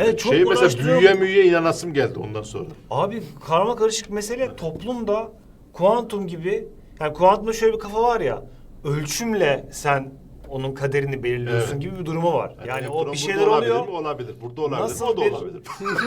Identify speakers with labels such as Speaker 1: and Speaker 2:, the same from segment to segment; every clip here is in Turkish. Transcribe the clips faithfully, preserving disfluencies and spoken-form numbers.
Speaker 1: abi.
Speaker 2: Evet, çok
Speaker 1: şey mesela
Speaker 2: uğraştırıyor.
Speaker 1: büyüye müyüye inanasım geldi ondan sonra.
Speaker 2: Abi karma karışık mesele toplumda kuantum gibi, yani kuantumda şöyle bir kafa var ya, ölçümle sen onun kaderini belirliyorsun
Speaker 1: Evet.
Speaker 2: gibi bir durumu var. Yani
Speaker 1: elektron
Speaker 2: o bir
Speaker 1: burada
Speaker 2: şeyler
Speaker 1: olabilir
Speaker 2: oluyor.
Speaker 1: mi? Olabilir. Burada olabilir
Speaker 2: Nasıl
Speaker 1: mi? O da
Speaker 2: bir-
Speaker 1: olabilir.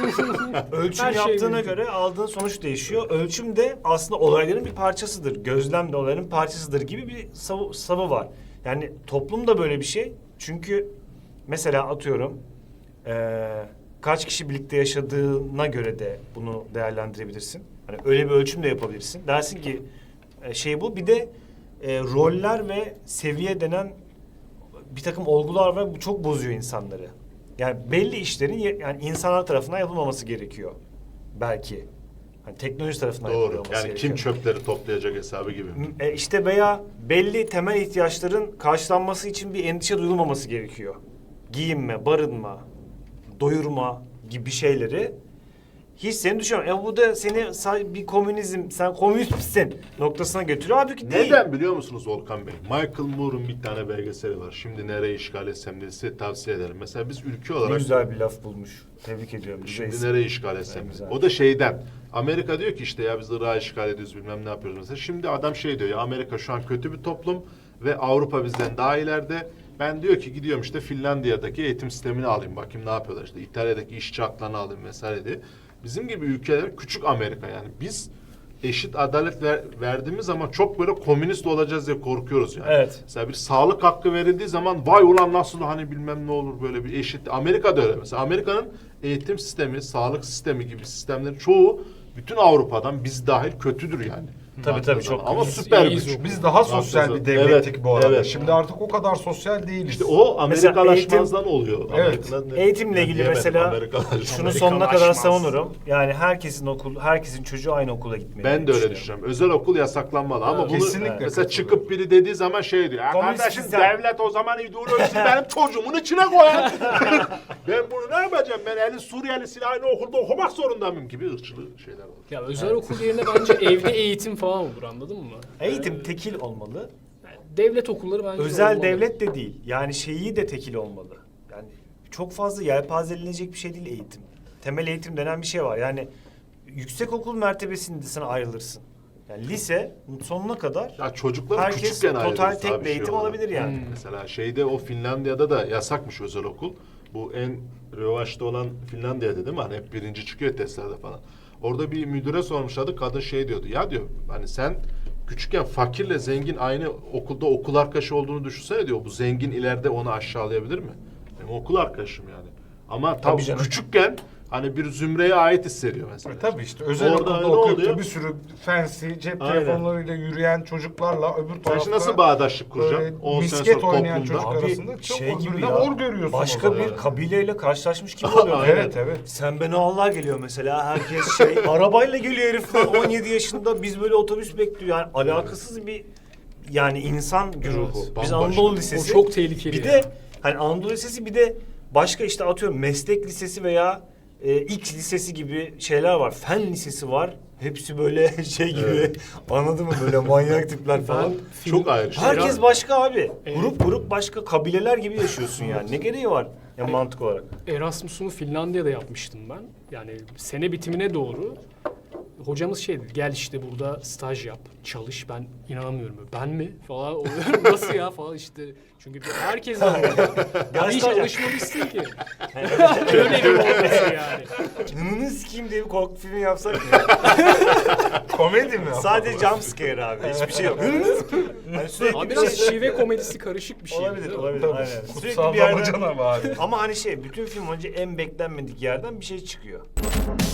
Speaker 2: Ölçüm
Speaker 3: Her şey
Speaker 2: yaptığına
Speaker 3: mümkün.
Speaker 2: göre aldığın sonuç değişiyor. Ölçüm de aslında olayların bir parçasıdır. Gözlem de olayların parçasıdır gibi bir savı, savı var. Yani toplum da böyle bir şey. Çünkü mesela atıyorum eee, kaç kişi birlikte yaşadığına göre de bunu değerlendirebilirsin. Hani öyle bir ölçüm de yapabilirsin. Dersin ki e, şey bu. Bir de e, roller ve seviye denen bir takım olgular var. Bu çok bozuyor insanları. Yani belli işlerin ye- yani insanlar tarafından yapılmaması gerekiyor. Belki. Hani teknoloji tarafından
Speaker 1: Doğru.
Speaker 2: yapılmaması
Speaker 1: Yani
Speaker 2: gerekiyor.
Speaker 1: kim çöpleri toplayacak hesabı gibi.
Speaker 2: E işte veya belli temel ihtiyaçların karşılanması için bir endişe duyulmaması gerekiyor. Giyinme, barınma, doyurma gibi şeyleri hiç seni düşünmüyor. E bu da seni sa- bir komünizm, sen komünist misin noktasına götürüyor. Halbuki değil.
Speaker 1: Neden biliyor musunuz Volkan Bey? Michael Moore'un bir tane belgeseli var. Şimdi nereyi işgal etsem diye size tavsiye ederim. Mesela biz ülke
Speaker 2: Ne
Speaker 1: olarak
Speaker 2: güzel bir laf bulmuş. Tebrik ediyorum.
Speaker 1: şimdi
Speaker 2: Neyse.
Speaker 1: nereyi işgal etsem.
Speaker 2: En güzel.
Speaker 1: O da şeyden. Amerika diyor ki işte ya biz Irak'ı işgal ediyoruz bilmem ne yapıyoruz mesela. Şimdi adam şey diyor ya Amerika şu an kötü bir toplum ve Avrupa bizden daha ileride. Ben diyor ki gidiyorum işte Finlandiya'daki eğitim sistemini alayım bakayım ne yapıyorlar işte İtalya'daki işçi haklarını alayım vesaire diye. Bizim gibi ülkeler küçük Amerika yani biz eşit adalet ver, verdiğimiz zaman çok böyle komünist olacağız diye korkuyoruz yani.
Speaker 2: Evet.
Speaker 1: Mesela bir sağlık hakkı verildiği zaman vay ulan nasıl hani bilmem ne olur böyle bir eşit. Amerika'da öyle mesela. Amerika'nın eğitim sistemi, sağlık sistemi gibi sistemlerin çoğu bütün Avrupa'dan biz dahil kötüdür yani.
Speaker 2: Tabii, tabii, çok
Speaker 1: Ama
Speaker 3: biz
Speaker 1: süper
Speaker 3: iyiyiz
Speaker 1: güç.
Speaker 3: o.
Speaker 4: Biz daha sosyal bir devlettik
Speaker 1: Evet,
Speaker 4: bu arada.
Speaker 1: evet.
Speaker 4: Şimdi artık o kadar sosyal değiliz.
Speaker 1: İşte o
Speaker 2: Mesela
Speaker 1: Amerikalaşmazdan oluyor.
Speaker 4: Evet.
Speaker 1: Amerika'dan-
Speaker 2: Eğitimle
Speaker 1: Ben
Speaker 2: ilgili
Speaker 1: diyemedim,
Speaker 2: mesela
Speaker 1: Amerikalaşmaz.
Speaker 2: şunu sonuna kadar
Speaker 3: Amerikalaşmaz.
Speaker 2: savunurum. Yani herkesin okul, herkesin çocuğu aynı okula gitmeli.
Speaker 1: Ben de öyle
Speaker 2: düşünüyorum.
Speaker 1: düşünüyorum. Özel okul yasaklanmalı ama
Speaker 2: Evet.
Speaker 1: bunu
Speaker 4: Kesinlikle
Speaker 1: mesela
Speaker 4: katılıyorum.
Speaker 1: çıkıp biri dediği zaman şey diyor. Ya
Speaker 2: Komünist
Speaker 1: kardeşim
Speaker 2: sen."
Speaker 1: devlet o zaman ideolojisi benim çocuğumun içine koyar. Ben bunu ne yapacağım? Ben elin Suriyelisiyle aynı okulda okumak zorunda mıyım gibi ırkçılığı şeyler var.
Speaker 3: Ya özel okul yerine bence evde eğitim falan olur, anladın mı?
Speaker 2: Eğitim tekil olmalı.
Speaker 3: Yani devlet okulları bence
Speaker 2: Özel
Speaker 3: olmalı.
Speaker 2: devlet de değil. Yani şeyi de tekil olmalı. Yani çok fazla yelpazeleninecek bir şey değil eğitim. Temel eğitim denen bir şey var. Yani yüksekokul mertebesinde sen ayrılırsın. Yani lise sonuna kadar
Speaker 1: Ya çocuklar
Speaker 2: herkes
Speaker 1: küçükken
Speaker 2: total
Speaker 1: ayrılırsa
Speaker 2: tek
Speaker 1: abi
Speaker 2: bir
Speaker 1: şey
Speaker 2: eğitim
Speaker 1: olarak.
Speaker 2: alabilir yani.
Speaker 3: Hmm.
Speaker 1: Mesela şeyde o Finlandiya'da da yasakmış özel okul. Bu en revaçta olan Finlandiya'da değil mi? Hani hep birinci çıkıyor testlerde falan. Orada bir müdüre sormuşlardı. Kadın şey diyordu. Ya diyor hani sen küçükken fakirle zengin aynı okulda okul arkadaşı olduğunu düşünsene diyor. Bu zengin ileride onu aşağılayabilir mi? Benim okul arkadaşım yani. Ama tam
Speaker 2: Tabii canım.
Speaker 1: küçükken hani bir zümreye ait hissediyor mesela.
Speaker 4: E tabii işte özel
Speaker 1: Orada
Speaker 4: okulda
Speaker 1: öyle
Speaker 4: okuyup
Speaker 1: oluyor.
Speaker 4: da bir sürü fancy cep
Speaker 1: Aynen.
Speaker 4: telefonlarıyla yürüyen çocuklarla öbür
Speaker 1: Sen
Speaker 4: tarafta
Speaker 1: şimdi nasıl bağdaşlık
Speaker 4: böyle
Speaker 1: kuracaksın? on sene
Speaker 4: misket
Speaker 1: sonra
Speaker 4: oynayan
Speaker 1: toplumda.
Speaker 4: çocuk
Speaker 2: Abi
Speaker 4: arasında çok
Speaker 2: şey gibi
Speaker 4: öbürüne
Speaker 2: ya.
Speaker 4: hor görüyorsun o
Speaker 2: Başka
Speaker 4: zaman.
Speaker 2: bir kabileyle karşılaşmış gibi oluyor.
Speaker 1: Aynen.
Speaker 4: Evet evet.
Speaker 2: Sen beni Allah geliyor mesela herkes şey arabayla geliyor herifler on yedi yaşında biz böyle otobüs bekliyor yani alakasız bir yani insan güruhu. Biz
Speaker 1: bambaşka.
Speaker 2: Anadolu
Speaker 3: O
Speaker 2: Lisesi.
Speaker 3: çok tehlikeli
Speaker 2: Bir
Speaker 3: ya.
Speaker 2: de hani Anadolu Lisesi bir de başka işte atıyorum meslek lisesi veya e, X lisesi gibi şeyler var. Fen lisesi var. Hepsi böyle şey gibi
Speaker 1: Evet.
Speaker 2: anladın mı böyle manyak tipler falan.
Speaker 3: Ben
Speaker 1: Çok ayrı şey.
Speaker 2: Herkes başka abi.
Speaker 3: Evet.
Speaker 2: Grup grup başka kabileler gibi yaşıyorsun yani. Ne gereği var ya mantık olarak?
Speaker 3: Erasmus'umu Finlandiya'da yapmıştım ben. Yani sene bitimine doğru hocamız şey dedi, gel işte burada staj yap, çalış. Ben inanamıyorum. Ben mi? Falan oluyorum. Nasıl ya falan işte. Çünkü herkes var orada. Ben hiç
Speaker 2: staj yap.
Speaker 3: alışmamışsın ki. Öyle bir olması yani.
Speaker 2: Nını sikeyim diye bir korku filmi yapsak mı?
Speaker 4: Komedi mi?
Speaker 2: Sadece jump scare abi. Hiçbir şey yok. Nını sikeyim. Hani sürekli
Speaker 3: Abi
Speaker 2: bir
Speaker 3: biraz
Speaker 2: şey...
Speaker 3: şive komedisi karışık bir şey.
Speaker 2: Olabilir,
Speaker 3: değil mi?
Speaker 2: olabilir.
Speaker 4: Tabii.
Speaker 2: Aynen. Sürekli
Speaker 4: Kutsal
Speaker 2: bir yerden...
Speaker 4: damacana var.
Speaker 2: Ama hani şey, bütün film önce en beklenmedik yerden bir şey çıkıyor.